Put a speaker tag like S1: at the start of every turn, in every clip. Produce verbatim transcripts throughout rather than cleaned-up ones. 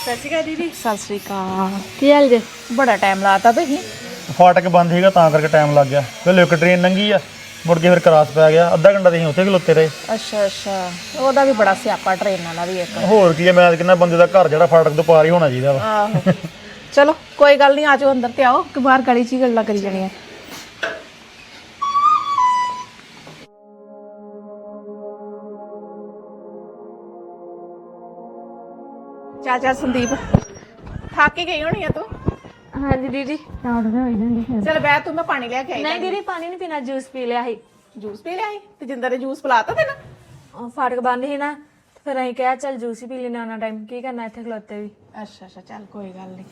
S1: ਸਤਿ ਸ਼੍ਰੀ ਅਕਾਲ ਦੀਦੀ।
S2: ਸਤਿ ਸ੍ਰੀ ਅਕਾਲ।
S1: ਕੀ ਹਾਲ ਜੇ?
S2: ਬੜਾ ਟਾਈਮ ਲਾਤਾ ਤੁਸੀਂ।
S3: ਫਾਟਕ ਬੰਦ ਸੀਗਾ ਤਾਂ ਕਰਕੇ ਟਾਈਮ ਲੱਗ ਗਿਆ। ਪਹਿਲੇ ਇੱਕ ਟ੍ਰੇਨ ਲੰਘੀ ਆ, ਮੁੜ ਕੇ ਫਿਰ ਕਰਾਸ ਪੈ ਗਿਆ। ਅੱਧਾ ਘੰਟਾ ਤੇ ਅਸੀਂ ਉੱਥੇ ਖਲੋਤੇ ਰਹੇ।
S2: ਅੱਛਾ ਅੱਛਾ, ਉਹਦਾ ਵੀ ਬੜਾ ਸਿਆਪਾ ਟ੍ਰੇਨਾਂ ਦਾ ਵੀ ਇੱਕ।
S3: ਹੋਰ ਕੀ ਹੈ, ਮੈਂ ਕਿੰਨਾ ਬੰਦੇ ਦਾ ਘਰ ਜਿਹੜਾ ਫਾਟਕ ਤੋਂ ਪਾਰ ਹੀ ਹੋਣਾ ਚਾਹੀਦਾ ਵਾ।
S2: ਆਹੋ ਚਲੋ ਕੋਈ ਗੱਲ ਨਹੀਂ, ਆਜੋ ਅੰਦਰ ਤੇ ਆਓ ਕਿ ਬਾਹਰ ਗਲੀ 'ਚ ਹੀ ਗੱਲਾਂ ਕਰੀ ਜਾਣੀਆਂ। ਚੱਲ ਚੱਲ ਸੰਦੀਪ, ਥੱਕ ਹੀ ਗਈ ਹੋਣੀ ਆ ਤੂੰ।
S1: ਹਾਂਜੀ ਦੀਦੀ।
S2: ਚੱਲ ਬਹਿ ਤੂੰ, ਮੈਂ ਪਾਣੀ ਲੈ ਕੇ ਆਈ।
S1: ਨਹੀਂ ਦੀਦੀ, ਪਾਣੀ ਨਹੀਂ ਪੀਣਾ, ਜੂਸ ਪੀ ਲਿਆ ਸੀ।
S2: ਜੂਸ ਪੀ ਲਿਆ ਸੀ ਤੇ ਜਿੰਦਰ ਨੇ ਜੂਸ ਪਿਲਾਤਾ ਤੈਨੂੰ?
S1: ਉਹ ਫਾਟਕ ਬੰਦ ਸੀ ਨਾ, ਤੇ ਫਿਰ ਅਸੀਂ ਕਿਹਾ ਚੱਲ ਜੂਸ ਹੀ ਪੀ ਲੈਣਾ ਉਹਨਾਂ ਟਾਈਮ, ਕੀ ਕਰਨਾ ਇੱਥੇ ਖਲੋਤੇ ਵੀ।
S2: ਅੱਛਾ ਅੱਛਾ, ਚੱਲ ਕੋਈ ਗੱਲ ਨਹੀਂ।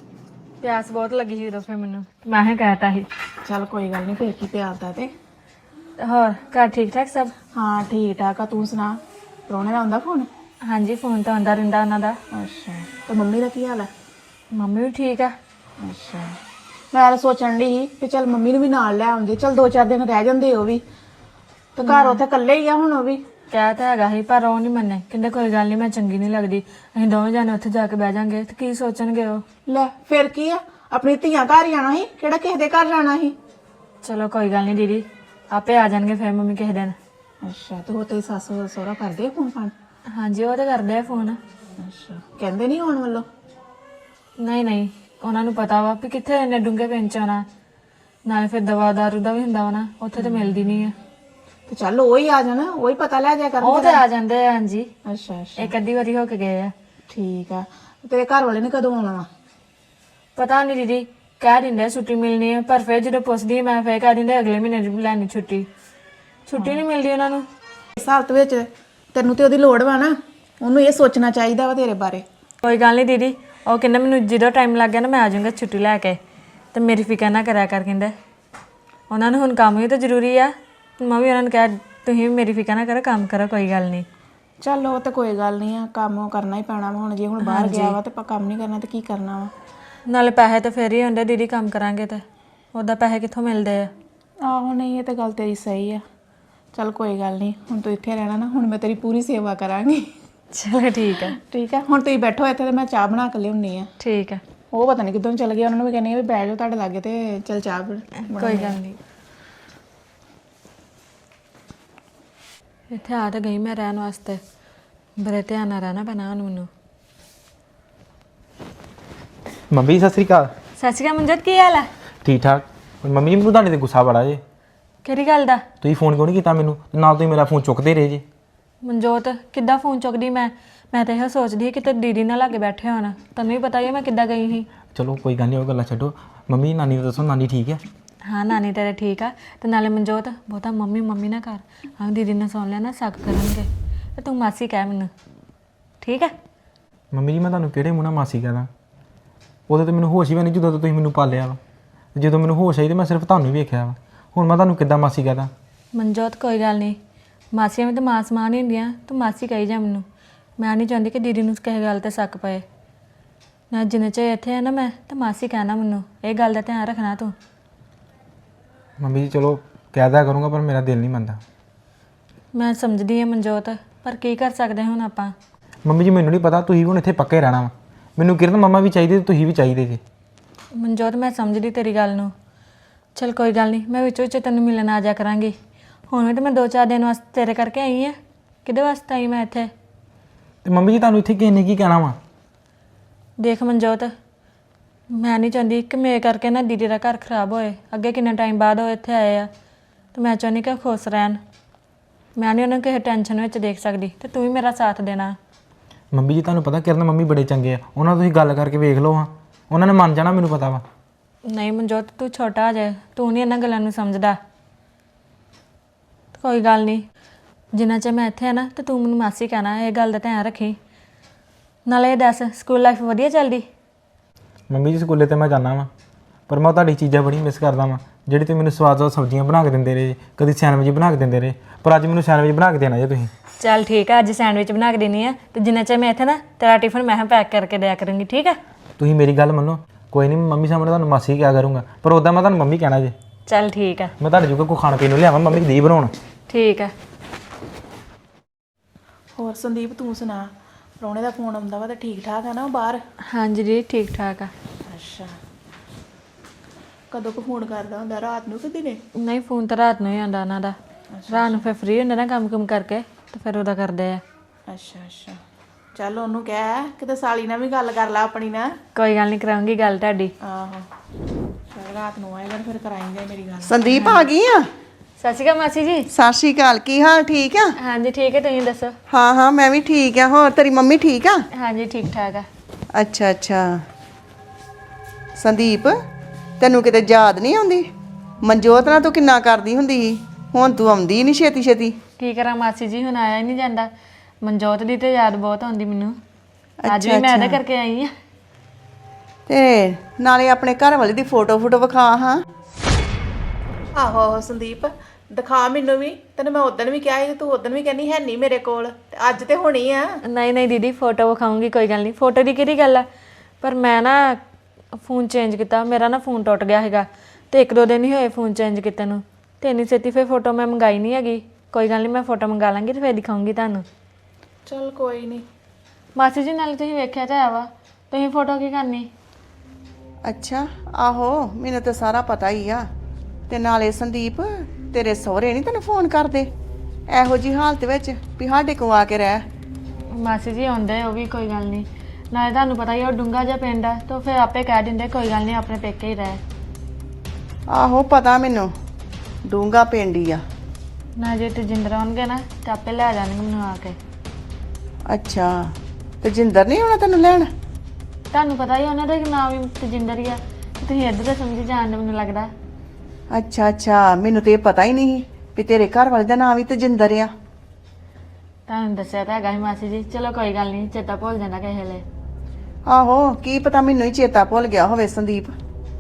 S1: ਪਿਆਸ ਬਹੁਤ ਲੱਗੀ ਸੀ ਉਦੋਂ, ਫਿਰ ਮੈਨੂੰ ਮੈਂ ਹੀ ਕਹਿਤਾ ਸੀ।
S2: ਚੱਲ ਕੋਈ ਗੱਲ ਨਹੀਂ, ਫੇਰ ਕੀ ਪਿਆਲਦਾ ਤੇ।
S1: ਤੇ ਹੋਰ ਘਰ ਠੀਕ ਠਾਕ ਸਭ?
S2: ਹਾਂ ਠੀਕ ਠਾਕ ਆ, ਤੂੰ ਸੁਣਾ? ਪ੍ਰਾਹੁਣੇ ਦਾ ਆਉਂਦਾ ਫੋਨ?
S1: ਹਾਂਜੀ, ਫੋਨ ਤਾਂ ਆਉਂਦਾ ਰਹਿੰਦਾ ਉਹਨਾਂ ਦਾ।
S2: ਅੱਛਾ, ਤੇ ਮੰਮੀ ਦਾ ਕੀ ਹਾਲ ਹੈ?
S1: ਮੰਮੀ ਵੀ ਠੀਕ ਆ।
S2: ਅੱਛਾ, ਮੈਂ ਤਾਂ ਸੋਚਣ ਡਈ ਸੀ ਕਿ ਚੱਲ ਮੰਮੀ ਨੂੰ ਵੀ ਨਾਲ ਲੈ ਆਉਂਦੇ, ਚੱਲ ਦੋ ਚਾਰ ਦਿਨ ਰਹਿ ਜਾਂਦੇ ਉਹ ਵੀ, ਤੇ ਘਰ ਉੱਥੇ ਇਕੱਲੇ ਹੀ ਆ ਹੁਣ ਉਹ ਵੀ।
S1: ਕਹਿ ਤਾਂ ਹੈਗਾ ਸੀ, ਪਰ ਉਹ ਨਹੀਂ ਮੰਨੇ। ਕਹਿੰਦੇ ਕੋਈ ਗੱਲ ਨਹੀਂ, ਮੈਂ ਚੰਗੀ ਨਹੀਂ ਲੱਗਦੀ, ਅਸੀਂ ਦੋਵੇਂ ਜਾਣੇ ਉੱਥੇ ਜਾ ਕੇ ਬਹਿ ਜਾਾਂਗੇ ਤੇ ਕੀ ਸੋਚਣਗੇ ਉਹ।
S2: ਲੈ ਫਿਰ ਕੀ ਆ, ਆਪਣੀ ਧੀਆਂ ਘਰ ਹੀ ਆਣਾ ਸੀ, ਕਿਹੜਾ ਕਿਸੇ ਦੇ ਘਰ ਜਾਣਾ ਸੀ।
S1: ਚਲੋ ਕੋਈ ਗੱਲ ਨਹੀਂ ਦੀਦੀ, ਆਪੇ ਆ ਜਾਣਗੇ ਫਿਰ ਮੰਮੀ ਕਿਸੇ ਦਿਨ।
S2: ਅੱਛਾ, ਤੇ ਉਹ ਤੇਰੀ ਸੱਸ ਸਹੁਰਾ ਕਰਦੇ ਆ ਫੋਨ ਫਾਨ?
S1: ਹਾਂਜੀ, ਉਹ ਤਾਂ ਕਰਦੇ ਆ ਫੋਨ।
S2: ਅੱਛਾ, ਕਹਿੰਦੇ ਨਹੀਂ ਆਉਣ ਵੱਲੋਂ?
S1: ਨਹੀਂ ਨਹੀਂ, ਉਹਨਾਂ ਨੂੰ ਪਤਾ ਵਾ ਵੀ ਕਿੱਥੇ ਇੰਨੇ ਡੂੰਘੇ ਪਿੰਡ ਚ ਆਉਣਾ, ਨਾਲੇ ਫਿਰ ਦਵਾ ਦਾਰੂ ਦਾ ਵੀ ਹੁੰਦਾ ਵਾ ਨਾ, ਉੱਥੇ ਤਾਂ ਮਿਲਦੀ ਨਹੀਂ ਆ।
S2: ਤੇ ਚੱਲ ਉਹ ਹੀ ਆ ਜਾਣਾ, ਉਹ ਹੀ ਪਤਾ ਲੈ ਜਾ
S1: ਉਹ
S2: ਕਰਨਗੇ।
S1: ਤੇ ਆ ਜਾਂਦੇ ਆ। ਹਾਂਜੀ,
S2: ਅੱਛਾ ਅੱਛਾ,
S1: ਇੱਕ ਅੱਧੀ ਵਾਰੀ ਹੋ ਕੇ ਗਏ ਆ।
S2: ਠੀਕ ਆ। ਤੇਰੇ ਘਰ ਵਾਲੇ ਨੇ ਕਦੋਂ ਆਉਣਾ ਵਾ?
S1: ਪਤਾ ਨਹੀਂ ਦੀਦੀ, ਕਹਿ ਦਿੰਦੇ ਆ ਛੁੱਟੀ ਮਿਲਣੀ ਹੈ, ਪਰ ਫਿਰ ਜਦੋਂ ਪੁੱਛਦੀ ਮੈਂ ਫਿਰ ਕਹਿ ਦਿੰਦੇ ਅਗਲੇ ਮਹੀਨੇ ਦੀ ਲੈਣੀ ਛੁੱਟੀ। ਛੁੱਟੀ ਨਹੀਂ ਮਿਲਦੀ ਉਹਨਾਂ ਨੂੰ।
S2: ਇਸ ਹਾਲਤ ਵਿੱਚ ਤੈਨੂੰ ਤੇ ਉਹਦੀ ਲੋੜ ਵਾ ਨਾ, ਉਹਨੂੰ ਇਹ ਸੋਚਣਾ ਚਾਹੀਦਾ ਵਾ ਤੇਰੇ ਬਾਰੇ।
S1: ਕੋਈ ਗੱਲ ਨਹੀਂ ਦੀਦੀ, ਉਹ ਕਹਿੰਦਾ ਮੈਨੂੰ ਜਦੋਂ ਟਾਈਮ ਲੱਗ ਗਿਆ ਨਾ ਮੈਂ ਆ ਜਾਊਂਗਾ ਛੁੱਟੀ ਲੈ ਕੇ, ਤੇ ਮੇਰੀ ਫਿਕਰ ਨਾ ਕਰਿਆ ਕਰ। ਕਹਿੰਦਾ ਉਹਨਾਂ ਨੂੰ ਹੁਣ ਕੰਮ ਵੀ ਤਾਂ ਜ਼ਰੂਰੀ ਆ। ਮੈਂ ਵੀ ਉਹਨਾਂ ਨੂੰ ਕਿਹਾ ਤੁਸੀਂ ਵੀ ਮੇਰੀ ਫਿਕਰ ਨਾ ਕਰੋ, ਕੰਮ ਕਰੋ, ਕੋਈ ਗੱਲ ਨਹੀਂ।
S2: ਚੱਲ ਉਹ ਤਾਂ ਕੋਈ ਗੱਲ ਨਹੀਂ ਆ, ਕੰਮ ਉਹ ਕਰਨਾ ਹੀ ਪੈਣਾ ਵਾ ਹੁਣ। ਜੇ ਹੁਣ ਬਾਹਰ ਗਿਆ ਵਾ ਤੇ ਆਪਾਂ ਕੰਮ ਨਹੀਂ ਕਰਨਾ ਤੇ ਕੀ ਕਰਨਾ ਵਾ।
S1: ਨਾਲੇ ਪੈਸੇ ਤਾਂ ਫੇਰ ਹੀ ਹੁੰਦੇ ਦੀਦੀ, ਕੰਮ ਕਰਾਂਗੇ ਤੇ ਉਹਦਾ ਪੈਸੇ ਕਿੱਥੋਂ ਮਿਲਦੇ ਆ।
S2: ਆਹੋ, ਨਹੀਂ ਇਹ ਤਾਂ ਗੱਲ ਤੇਰੀ ਸਹੀ ਆ। ਚੱਲ ਕੋਈ ਗੱਲ ਨਹੀਂ, ਹੁਣ ਤੂੰ ਇੱਥੇ ਰਹਿਣਾ ਨਾ, ਹੁਣ ਮੈਂ ਤੇਰੀ ਪੂਰੀ ਸੇਵਾ ਕਰਾਂਗੀ।
S1: ਚਲੋ ਠੀਕ ਹੈ।
S2: ਠੀਕ ਆ, ਹੁਣ ਤੁਸੀਂ ਬੈਠੋ ਇੱਥੇ ਤੇ ਮੈਂ ਚਾਹ ਬਣਾ ਕੇ ਲਿਆਉਣੀ ਆ।
S1: ਠੀਕ ਹੈ।
S2: ਉਹ ਪਤਾ ਨਹੀਂ ਕਿੱਦੋਂ ਚਲ ਗਿਆ, ਉਹਨਾਂ ਨੂੰ ਵੀ ਕਹਿੰਦੀ ਆ ਵੀ ਬਹਿ ਜਾਓ ਤੁਹਾਡੇ ਲਾਗੇ ਤੇ ਚੱਲ ਚਾਹ ਬਣਾ।
S1: ਕੋਈ ਗੱਲ ਨਹੀਂ, ਇੱਥੇ ਆ ਤਾਂ ਗਈ ਮੈਂ ਰਹਿਣ ਵਾਸਤੇ, ਬੜੇ ਧਿਆਨ ਨਾਲ ਰਹਿਣਾ ਪੈਣਾ ਹੁਣ ਮੈਨੂੰ।
S4: ਮੰਮੀ ਸਤਿ ਸ੍ਰੀ ਅਕਾਲ।
S1: ਸਤਿ ਸ਼੍ਰੀ ਅਕਾਲ ਮਨਜੋਤ, ਕੀ ਹਾਲ ਹੈ?
S4: ਠੀਕ ਠਾਕ। ਮੰਮੀ ਜੀ ਮੈਨੂੰ ਤੁਹਾਡੇ ਤੇ ਗੁੱਸਾ ਬੜਾ ਜੇ।
S1: ਕਿਹੜੀ ਗੱਲ ਦਾ?
S4: ਤੁਸੀਂ ਫੋਨ ਕਿਉਂ ਨਹੀਂ ਕੀਤਾ ਮੈਨੂੰ, ਨਾਲ ਤੁਸੀਂ ਮੇਰਾ ਫੋਨ ਚੁੱਕਦੇ ਰਹੇ ਜੇ।
S1: ਮਨਜੋਤ ਕਿੱਦਾਂ ਫੋਨ ਚੁੱਕਦੀ ਮੈਂ ਮੈਂ ਤਾਂ ਇਹ ਸੋਚਦੀ ਸੀ ਕਿਤੇ ਦੀਦੀ ਨਾਲ ਲਾਗੇ ਬੈਠੇ ਹੋਣ। ਤੁਹਾਨੂੰ ਵੀ ਪਤਾ ਹੀ ਹੈ ਮੈਂ ਕਿੱਦਾਂ ਗਈ ਸੀ।
S4: ਚਲੋ ਕੋਈ ਗੱਲ ਨਹੀਂ, ਉਹ ਗੱਲਾਂ ਛੱਡੋ। ਮੰਮੀ ਨਾਨੀ ਨੂੰ ਦੱਸੋ, ਨਾਨੀ ਠੀਕ ਹੈ?
S1: ਹਾਂ, ਨਾਨੀ ਤੇਰੇ ਠੀਕ ਆ। ਤੇ ਨਾਲੇ ਮਨਜੋਤ ਬਹੁਤਾ ਮੰਮੀ ਮੰਮੀ ਨਾ ਕਰ, ਹਾਂ ਦੀਦੀ ਨੇ ਸੁਣ ਲਿਆ ਨਾ ਸ਼ੱਕ ਕਰਨਗੇ, ਤੇ ਤੂੰ ਮਾਸੀ ਕਹਿ ਮੈਨੂੰ, ਠੀਕ ਹੈ?
S4: ਮੰਮੀ ਜੀ ਮੈਂ ਤੁਹਾਨੂੰ ਕਿਹੜੇ ਮੂੰਹ ਨਾਲ ਮਾਸੀ ਕਹਦਾ? ਉਦੋਂ ਤਾਂ ਮੈਨੂੰ ਹੋਸ਼ ਹੀ ਵੀ ਨਹੀਂ ਜਦੋਂ ਤੋਂ ਤੁਸੀਂ ਮੈਨੂੰ ਪਾਲਿਆ ਵਾ। ਜਦੋਂ ਮੈਨੂੰ ਹੋਸ਼ ਆਈ ਤੇ ਮੈਂ ਸਿਰਫ ਤੁਹਾਨੂੰ ਹੀ ਵੇਖਿਆ ਵਾ, ਹੁਣ ਮੈਂ ਤੁਹਾਨੂੰ ਕਿੱਦਾਂ ਮਾਸੀ ਕਹਦਾ?
S1: ਮਨਜੋਤ ਕੋਈ ਗੱਲ ਨਹੀਂ, ਮਾਸੀਆਂ ਵੀ ਤਾਂ ਮਾਂ ਸਮਾਨ ਹੀ ਹੁੰਦੀਆਂ, ਤੂੰ ਮਾਸੀ ਕਹੀ ਜਾ ਮੈਨੂੰ। ਮੈਂ ਨਹੀਂ ਚਾਹੁੰਦੀ ਕਿ ਦੀਦੀ ਨੂੰ ਕਿਸੇ ਗੱਲ 'ਤੇ ਸ਼ੱਕ ਪਏ ਨਾ। ਜਿੰਨੇ ਚਿਰ ਇੱਥੇ ਆ ਨਾ ਮੈਂ, ਤਾਂ ਮਾਸੀ ਕਹਿਣਾ ਮੈਨੂੰ, ਇਹ ਗੱਲ ਦਾ ਧਿਆਨ ਰੱਖਣਾ ਤੂੰ।
S4: ਮੰਮੀ ਜੀ ਚਲੋ ਕਹਿ ਦਿਆ ਕਰੂੰਗਾ, ਪਰ ਮੇਰਾ ਦਿਲ ਨਹੀਂ ਮੰਨਦਾ।
S1: ਮੈਂ ਸਮਝਦੀ ਹਾਂ ਮਨਜੋਤ, ਪਰ ਕੀ ਕਰ ਸਕਦੇ ਹੁਣ ਆਪਾਂ।
S4: ਮੰਮੀ ਜੀ ਮੈਨੂੰ ਨਹੀਂ ਪਤਾ, ਤੁਸੀਂ ਹੁਣ ਇੱਥੇ ਪੱਕੇ ਰਹਿਣਾ ਵਾ। ਮੈਨੂੰ ਕਿਰਨ ਮੰਮਾ ਵੀ ਚਾਹੀਦੇ ਤੇ ਤੁਸੀਂ ਵੀ ਚਾਹੀਦੇ ਜੇ।
S1: ਮਨਜੋਤ ਮੈਂ ਸਮਝਦੀ ਤੇਰੀ ਗੱਲ ਨੂੰ। ਚਲ ਕੋਈ ਗੱਲ ਨਹੀਂ, ਮੈਂ ਵਿੱਚੋਂ ਵਿੱਚ ਤੈਨੂੰ ਮਿਲਣ ਆ ਜਾ ਕਰਾਂਗੀ। ਹੁਣ ਵੀ ਤਾਂ ਮੈਂ ਦੋ ਚਾਰ ਦਿਨ ਵਾਸਤੇ ਤੇਰੇ ਕਰਕੇ ਆਈ ਹਾਂ। ਕਿਹਦੇ ਵਾਸਤੇ ਆਈ ਮੈਂ ਇੱਥੇ?
S4: ਤੇ ਮੰਮੀ ਜੀ ਤੁਹਾਨੂੰ ਇੱਥੇ ਕਿਸੇ ਨੇ ਕੀ ਕਹਿਣਾ ਵਾ?
S1: ਦੇਖ ਮਨਜੋਤ, ਮੈਂ ਨਹੀਂ ਚਾਹੁੰਦੀ ਕਿ ਮੇਰੇ ਕਰਕੇ ਨਾ ਦੀਦੀ ਦਾ ਘਰ ਖਰਾਬ ਹੋਏ। ਅੱਗੇ ਕਿੰਨਾ ਟਾਈਮ ਬਾਅਦ ਉਹ ਇੱਥੇ ਆਏ ਆ, ਤੇ ਮੈਂ ਚਾਹੁੰਦੀ ਕਿ ਉਹ ਖੁਸ਼ ਰਹਿਣ। ਮੈਂ ਨਹੀਂ ਉਹਨਾਂ ਕਿਸੇ ਟੈਨਸ਼ਨ ਵਿੱਚ ਦੇਖ ਸਕਦੀ, ਤੇ ਤੂੰ ਵੀ ਮੇਰਾ ਸਾਥ ਦੇਣਾ।
S4: ਮੰਮੀ ਜੀ ਤੁਹਾਨੂੰ ਪਤਾ ਕਿਰਨ ਮੰਮੀ ਬੜੇ ਚੰਗੇ ਆ, ਉਹਨਾਂ ਨਾਲ ਤੁਸੀਂ ਗੱਲ ਕਰਕੇ ਵੇਖ ਲਓ ਹਾਂ, ਉਹਨਾਂ ਨੇ ਮੰਨ ਜਾਣਾ, ਮੈਨੂੰ ਪਤਾ ਵਾ।
S1: ਨਹੀਂ ਮਨਜੋਤ, ਤੂੰ ਛੋਟਾ ਜੇ, ਤੂੰ ਨਹੀਂ ਇਹਨਾਂ ਗੱਲਾਂ ਨੂੰ ਸਮਝਦਾ। ਕੋਈ ਗੱਲ ਨਹੀਂ, ਜਿੰਨਾ ਚਿਰ ਮੈਂ ਇੱਥੇ ਆ ਨਾ, ਤੇ ਤੂੰ ਮੈਨੂੰ ਮਾਸੀ ਕਹਿਣਾ, ਇਹ ਗੱਲ ਦਾ ਧਿਆਨ ਰੱਖੀ। ਨਾਲੇ ਇਹ ਦੱਸ, ਸਕੂਲ ਲਾਈਫ ਵਧੀਆ ਚੱਲਦੀ?
S4: ਮੰਮੀ ਜੀ ਸਕੂਲੇ ਤੇ ਮੈਂ ਜਾਂਦਾ ਵਾਂ, ਪਰ ਮੈਂ ਤੁਹਾਡੀ ਚੀਜ਼ਾਂ ਬੜੀ ਮਿਸ ਕਰਦਾ ਵਾਂ, ਜਿਹੜੀ ਤੁਸੀਂ ਮੈਨੂੰ ਸਵਾਦ ਸਵਾਦ ਸਬਜ਼ੀਆਂ ਬਣਾ ਕੇ ਦਿੰਦੇ ਰਹੇ, ਕਦੀ ਸੈਂਡਵਿਚ ਬਣਾ ਕੇ ਦਿੰਦੇ ਰਹੇ, ਪਰ ਅੱਜ ਮੈਨੂੰ ਸੈਂਡਵਿਚ ਬਣਾ ਕੇ ਦੇਣਾ ਜੇ ਤੁਸੀਂ।
S1: ਚੱਲ ਠੀਕ ਆ, ਅੱਜ ਸੈਂਡਵਿਚ ਬਣਾ ਕੇ ਦੇਣੀ ਆ, ਤੇ ਜਿੰਨਾ ਚਿਰ ਮੈਂ ਇੱਥੇ ਨਾ, ਤੇਰਾ ਟਿਫਨ ਮੈਂ ਪੈਕ ਕਰਕੇ ਦਿਆ ਕਰੂੰਗੀ, ਠੀਕ ਆ?
S4: ਤੁਸੀਂ ਮੇਰੀ ਗੱਲ ਮੰਨੋ, ਕੋਈ ਨਹੀਂ ਮੰਮੀ ਸਾਹਮਣੇ ਤੁਹਾਨੂੰ ਮਾਸੀ ਕਿਹਾ ਕਰੂੰਗਾ, ਪਰ ਉੱਦਾਂ ਮੈਂ ਤੁਹਾਨੂੰ ਮੰਮੀ ਕਹਿਣਾ ਜੇ।
S1: ਚੱਲ ਠੀਕ ਆ।
S4: ਮੈਂ ਤੁਹਾਡੇ ਜੋਗਾ ਕੋਈ ਖਾਣ ਪੀਣ ਨੂੰ ਲਿਆਵਾਂ, ਮੰਮੀ ਦੀ ਬਣਾਉਣ।
S1: ਠੀਕ ਆ।
S2: ਹੋਰ ਸੰਦੀਪ ਤੂੰ ਸੁਣਾ, ਪ੍ਰਾਹੁਣੇ ਦਾ ਫੋਨ ਆਉਂਦਾ ਵਾ ਤਾਂ ਠੀਕ ਠਾਕ ਆ ਨਾ ਉਹ ਬਾਹਰ?
S1: ਹਾਂਜੀ ਜੀ ਠੀਕ ਠਾਕ ਆ।
S2: ਅੱਛਾ, ਕਦੋਂ ਕੋ ਫੋਨ ਕਰਦਾ ਹੁੰਦਾ, ਰਾਤ ਨੂੰ ਕਿ ਦਿਨੇ?
S1: ਨਹੀਂ ਫੋਨ ਤਾਂ ਰਾਤ ਨੂੰ ਹੀ ਆਉਂਦਾ ਉਹਨਾਂ ਦਾ। ਰਾਤ ਨੂੰ ਫਿਰ ਫ੍ਰੀ ਹੁੰਦੇ ਨਾ ਕੰਮ ਕੁਮ ਕਰਕੇ ਤੇ ਫਿਰ ਉਹਦਾ ਕਰਦੇ ਆ।
S2: ਅੱਛਾ ਅੱਛਾ, ਚੱਲ ਉਹਨੂੰ ਕਹਿ ਕਿਤੇ ਸਾਲੀ ਨਾਲ ਵੀ ਗੱਲ ਕਰ ਲਾ ਆਪਣੀ ਨਾਲ।
S1: ਕੋਈ ਗੱਲ ਨਹੀਂ, ਕਰਾਉਂਗੀ ਗੱਲ ਤੁਹਾਡੀ।
S2: ਆਹੋ, ਚੱਲ ਰਾਤ ਨੂੰ ਆਏਗਾ ਫਿਰ ਕਰਾਏਂਗੇ ਮੇਰੀ ਗੱਲ।
S5: ਸੰਦੀਪ ਆ ਗਈ ਆ?
S1: ਸਤਿ ਸ਼੍ਰੀ ਅਕਾਲ ਮਾਸੀ ਜੀ।
S5: ਸਤਿ ਸ਼੍ਰੀ ਅਕਾਲ, ਕੀ ਹਾਲ? ਠੀਕ ਆ?
S1: ਹਾਂਜੀ ਠੀਕ ਹੈ, ਤੁਸੀਂ ਦੱਸੋ?
S5: ਹਾਂ ਹਾਂ ਮੈਂ ਵੀ ਠੀਕ ਆ। ਹੋਰ ਤੇਰੀ ਮੰਮੀ ਠੀਕ ਆ?
S1: ਹਾਂਜੀ ਠੀਕ ਠਾਕ ਆ।
S5: ਅੱਛਾ ਅੱਛਾ। ਸੰਦੀਪ ਤੈਨੂੰ ਕਿਤੇ ਯਾਦ ਨਹੀਂ ਆਉਂਦੀ? ਮਨਜੋਤ ਨਾਲ ਤੂੰ ਕਿੰਨਾ ਕਰਦੀ ਹੁੰਦੀ ਸੀ, ਹੁਣ ਤੂੰ ਆਉਂਦੀ ਨਹੀਂ ਛੇਤੀ ਛੇਤੀ।
S1: ਕੀ ਕਰਾਂ ਮਾਸੀ ਜੀ, ਹੁਣ ਆਇਆ ਹੀ ਨਹੀਂ ਜਾਂਦਾ। ਮਨਜੋਤ ਦੀ ਤੇ ਯਾਦ ਬਹੁਤ ਆਉਂਦੀ ਮੈਨੂੰ। ਅੱਜ ਵੀ ਮੈਂ ਇਹਦੇ ਕਰਕੇ ਆਈ ਆ।
S5: ਤੇ ਨਾਲੇ ਆਪਣੇ ਘਰ ਵਾਲੇ ਦੀ ਫੋਟੋ ਫੋਟੋ ਵਿਖਾ ਹਾਂ।
S2: ਆਹੋ ਆਹੋ ਸੰਦੀਪ, ਦਿਖਾ ਮੈਨੂੰ ਵੀ। ਤੈਨੂੰ ਮੈਂ ਉਦੋਂ ਵੀ ਕਿਹਾ ਸੀ, ਤੂੰ ਉਦੋਂ ਵੀ ਕਹਿੰਦੀ ਹੈ ਨਹੀਂ ਮੇਰੇ ਕੋਲ, ਤੇ ਅੱਜ ਤੇ ਹੋਣੀ ਆ।
S1: ਨਹੀਂ ਨਹੀਂ ਦੀਦੀ, ਫੋਟੋ ਵਿਖਾਉਂਗੀ, ਕੋਈ ਗੱਲ ਨਹੀਂ। ਫੋਟੋ ਦੀ ਕਿਹੜੀ ਗੱਲ ਆ, ਪਰ ਮੈਂ ਨਾ ਫੋਨ ਚੇਂਜ ਕੀਤਾ। ਮੇਰਾ ਨਾ ਫੋਨ ਟੁੱਟ ਗਿਆ ਹੈਗਾ ਤੇ ਇੱਕ ਦੋ ਦਿਨ ਹੀ ਹੋਏ ਫੋਨ ਚੇਂਜ ਕੀਤੇ ਨੂੰ, ਤੇ ਇੰਨੀ ਛੇਤੀ ਫਿਰ ਫੋਟੋ ਮੈਂ ਮੰਗਾਈ ਨਹੀਂ ਹੈਗੀ। ਕੋਈ ਗੱਲ ਨਹੀਂ, ਮੈਂ ਫੋਟੋ ਮੰਗਾ ਲਾਂਗੀ ਤੇ ਫਿਰ ਦਿਖਾਉਂਗੀ ਤੁਹਾਨੂੰ।
S2: ਚੱਲ ਕੋਈ ਨਹੀਂ।
S1: ਮਾਸੀ ਜੀ ਨਾਲ ਤੁਸੀਂ ਵੇਖਿਆ ਤਾਂ ਹੈ ਵਾ, ਤੁਸੀਂ ਫੋਟੋ ਕੀ ਕਰਨੀ?
S5: ਅੱਛਾ, ਆਹੋ ਮੈਨੂੰ ਤਾਂ ਸਾਰਾ ਪਤਾ ਹੀ ਆ। ਤੇ ਨਾਲੇ ਸੰਦੀਪ ਤੇਰੇ ਸਹੁਰੇ ਨਹੀਂ ਤੈਨੂੰ ਫੋਨ ਕਰਦੇ ਇਹੋ ਜੀ ਹਾਲਤ ਵਿੱਚ ਵੀ ਸਾਡੇ ਕੋਲ ਆ ਕੇ ਰਹਿ?
S1: ਮਾਸੀ ਜੀ ਆਉਂਦੇ ਉਹ ਵੀ, ਕੋਈ ਗੱਲ ਨਹੀਂ। ਨਾਲੇ ਤੁਹਾਨੂੰ ਪਤਾ ਹੀ ਉਹ ਡੂੰਘਾ ਜਿਹਾ ਪਿੰਡ ਆ, ਤਾਂ ਫਿਰ ਆਪੇ ਕਹਿ ਦਿੰਦੇ ਕੋਈ ਗੱਲ ਨਹੀਂ, ਆਪਣੇ ਪੇਕੇ ਹੀ ਰਹਿ।
S5: ਆਹੋ ਪਤਾ ਮੈਨੂੰ, ਡੂੰਗਾ ਪਿੰਡ ਹੀ ਆ।
S1: ਨਾ ਜੇ ਤਜਿੰਦਰ ਆਉਣਗੇ ਨਾ ਤਾਂ ਆਪੇ ਲੈ ਜਾਣਗੇ ਮੈਨੂੰ ਆ ਕੇ।
S5: ਅੱਛਾ, ਤੇ ਜਿੰਦਰ ਨਹੀਂ ਆਉਣਾ ਤੈਨੂੰ ਲੈਣ?
S1: ਤੁਹਾਨੂੰ ਪਤਾ ਹੀ ਉਹਨਾਂ ਦਾ ਨਾਮ ਵੀ ਤਜਿੰਦਰ ਹੀ ਆ, ਤੁਸੀਂ ਇੱਧਰ ਤਾਂ ਸਮਝੀ ਜਾਣਦੇ ਮੈਨੂੰ ਲੱਗਦਾ।
S5: ਅੱਛਾ ਅੱਛਾ, ਮੈਨੂੰ ਤੇ ਇਹ ਪਤਾ ਹੀ ਨਹੀਂ ਵੀ ਤੇਰੇ ਘਰ ਵਾਲੇ ਦਾ ਨਾਮ ਵੀ ਤਜਿੰਦਰ ਆ।
S1: ਤੁਹਾਨੂੰ ਦੱਸਿਆ ਤਾਂ ਹੈਗਾ ਸੀ ਮਾਸੀ ਜੀ। ਚਲੋ ਕੋਈ ਗੱਲ ਨਹੀਂ, ਚੇਤਾ ਭੁੱਲ ਜਾਂਦਾ ਕਿਸੇ ਵੇਲੇ।
S5: ਆਹੋ, ਕੀ ਪਤਾ ਮੈਨੂੰ ਹੀ ਚੇਤਾ ਭੁੱਲ ਗਿਆ ਹੋਵੇ ਸੰਦੀਪ।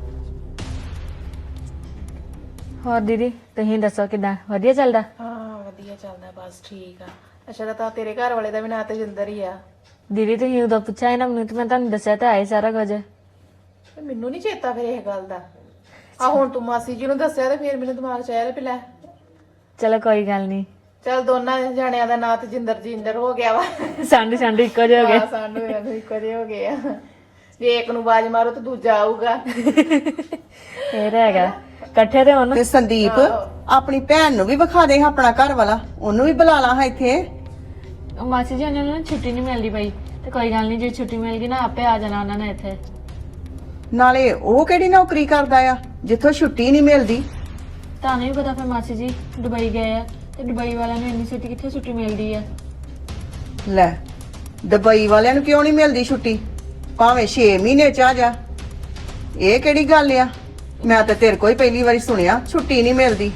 S1: ਹੋਰ ਦੀਦੀ ਤੁਸੀਂ ਦੱਸੋ ਕਿੱਦਾਂ? ਵਧੀਆ ਚੱਲਦਾ?
S2: ਹਾਂ ਵਧੀਆ ਚੱਲਦਾ, ਬਸ ਠੀਕ ਆ। ਅੱਛਾ, ਤਾਂ ਤੇਰੇ ਘਰ ਵਾਲੇ ਦਾ ਵੀ ਨਾਂ ਤੇਜਿੰਦਰ ਹੀ ਆ?
S1: ਦੀਦੀ ਤੁਸੀਂ ਉਦੋਂ ਪੁੱਛਿਆ ਸੀ ਨਾ ਮੈਨੂੰ, ਤੇ ਮੈਂ ਤੁਹਾਨੂੰ ਦੱਸਿਆ ਤਾਂ ਆਏ ਸਾਰਾ ਕੁਝ।
S2: ਤੇ ਮੈਨੂੰ ਨਹੀਂ ਚੇਤਾ ਫਿਰ ਇਹ ਗੱਲ ਦਾ। ਆ ਹੁਣ ਤੂੰ ਮਾਸੀ ਜੀ ਨੂੰ ਦੱਸਿਆ ਤੇ ਫਿਰ ਮੈਨੂੰ ਦਿਮਾਗ ਚ ਆਇਆ ਵੀ ਲੈ।
S1: ਚਲੋ ਕੋਈ ਗੱਲ ਨਹੀਂ,
S2: ਚੱਲ ਦੋਨਾਂ ਜਣਿਆਂ ਦਾ ਨਾਂ ਤੇਜਿੰਦਰ ਜਿੰਦਰ ਹੋ ਗਿਆ ਵਾ।
S1: ਸਾਂਢੂ ਸਾਂਢੂ ਇੱਕੋ ਜਿਹੇ ਹੋ ਗਏ।
S2: ਹਾਂ, ਸਾਨੂੰ ਇਹਨੂੰ ਇੱਕੋ ਜਿਹੇ ਹੋ ਗਏ ਆ। ਜੇ ਇੱਕ ਨੂੰ ਬਾਜ ਮਾਰੋ ਤੇ ਦੂਜਾ ਆਊਗਾ।
S1: ਇਹ ਤਾਂ ਹੈਗਾ, ਇਕੱਠੇ ਤੇ ਹੁਣ।
S5: ਤੇ ਸੰਦੀਪ ਆਪਣੀ ਭੈਣ ਨੂੰ ਵੀ ਵਿਖਾ ਦੇ ਆਪਣਾ ਘਰ ਵਾਲਾ, ਉਹਨੂੰ ਵੀ ਬੁਲਾ ਲਾ ਹਾਂ ਇੱਥੇ।
S1: ਮਾਸੀ ਜੀ ਉਹਨਾਂ ਨੂੰ ਛੁੱਟੀ ਨਹੀਂ ਮਿਲਦੀ ਪਈ, ਤੇ ਕੋਈ ਗੱਲ ਨਹੀਂ, ਜੇ ਛੁੱਟੀ ਮਿਲ ਗਈ ਨਾ ਆਪੇ ਆ ਜਾਣਾ ਉਹਨਾਂ ਨੇ ਇੱਥੇ।
S5: ਨਾਲੇ ਉਹ ਕਿਹੜੀ ਨੌਕਰੀ ਕਰਦਾ ਆ ਜਿੱਥੋਂ ਛੁੱਟੀ ਨਹੀਂ ਮਿਲਦੀ?
S1: ਤੁਹਾਨੂੰ ਵੀ ਪਤਾ ਫਿਰ ਮਾਸੀ ਜੀ ਦੁਬਈ ਗਏ ਆ, ਤੇ ਦੁਬਈ ਵਾਲਿਆਂ ਨੂੰ ਇੰਨੀ ਛੇਤੀ ਕਿੱਥੇ ਛੁੱਟੀ ਮਿਲਦੀ ਆ।
S5: ਲੈ, ਦੁਬਈ ਵਾਲਿਆਂ ਨੂੰ ਕਿਉਂ ਨਹੀਂ ਮਿਲਦੀ ਛੁੱਟੀ? ਭਾਵੇਂ ਛੇ ਮਹੀਨੇ ਚ ਆ ਜਾ। ਇਹ ਕਿਹੜੀ ਗੱਲ ਆ? ਮੈਂ ਤਾਂ ਤੇਰੇ ਕੋਈ ਪਹਿਲੀ ਵਾਰੀ ਸੁਣਿਆ ਛੁੱਟੀ ਨਹੀਂ ਮਿਲਦੀ।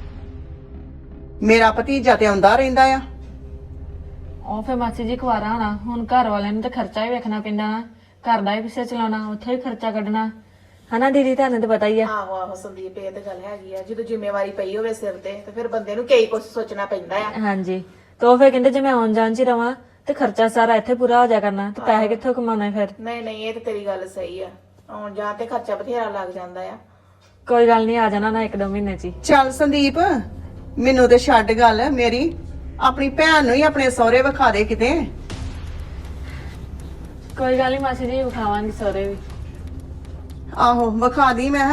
S5: ਮੇਰਾ ਭਤੀਜਾ ਤੇ ਆਉਂਦਾ ਰਹਿੰਦਾ ਆ।
S1: ਉਹ ਫਿਰ ਮਾਸੀ ਜੀ ਕੁਆਰਾ ਹੋਣਾ, ਹੁਣ ਘਰ ਵਾਲਿਆਂ ਨੂੰ ਤਾਂ ਖਰਚਾ ਹੀ ਵੇਖਣਾ ਪੈਂਦਾ ਨਾ, ਘਰ ਦਾ ਹੀ ਪਿੱਛੇ ਚਲਾਉਣਾ, ਉੱਥੇ ਹੀ ਖਰਚਾ ਕੱਢਣਾ, ਹਨਾ ਦੀਦੀ? ਤੁਹਾਨੂੰ ਤਾਂ ਪਤਾ ਹੀ ਆ।
S2: ਆਹੋ ਆਹੋ ਸੰਦੀਪ, ਇਹ ਤਾਂ ਗੱਲ ਹੈਗੀ ਆ। ਜਦੋਂ ਜ਼ਿੰਮੇਵਾਰੀ ਪਈ ਹੋਵੇ ਸਿਰ ਤੇ ਤੇ ਫਿਰ ਬੰਦੇ ਨੂੰ ਕਈ ਕੁਝ ਸੋਚਣਾ ਪੈਂਦਾ ਆ।
S1: ਹਾਂਜੀ, ਤੇ ਉਹ ਫਿਰ ਕਹਿੰਦੇ ਜੇ ਮੈਂ ਆਉਣ ਜਾਣ ਚ ਹੀ ਰਵਾਂ ਤੇ ਖਰਚਾ ਸਾਰਾ ਇੱਥੇ ਪੂਰਾ ਹੋ ਜਾ ਕਰਨਾ, ਤੇ ਪੈਸੇ ਕਿੱਥੋਂ ਕਮਾਉਣੇ ਫਿਰ?
S2: ਨਹੀਂ ਨਹੀਂ, ਇਹ ਤਾਂ ਤੇਰੀ ਗੱਲ ਸਹੀ ਆ। ਆਉਣ ਜਾਣ ਤੇ ਖਰਚਾ ਬਥੇਰਾ ਲੱਗ ਜਾਂਦਾ ਆ।
S1: ਕੋਈ ਗੱਲ ਨਹੀਂ, ਆ ਜਾਣਾ ਨਾ ਇੱਕ ਦੋ ਮਹੀਨੇ ਚ ਹੀ।
S5: ਚੱਲ ਸੰਦੀਪ, ਮੈਨੂੰ ਤੇ ਛੱਡ ਗੱਲ ਮੇਰੀ, ਆਪਣੀ ਭੈਣ ਨੂੰ ਹੀ ਆਪਣੇ ਸਹੁਰੇ ਵਿਖਾ ਦੇ ਕਿਤੇ।
S1: ਕੋਈ ਗੱਲ ਨਹੀਂ ਮਾਸੀ ਜੀ, ਵਿਖਾਵਾਂਗੀ ਸਹੁਰੇ ਵੀ।
S5: ਆਹੋ ਵਿਖਾ ਦੀ ਮੈਂ।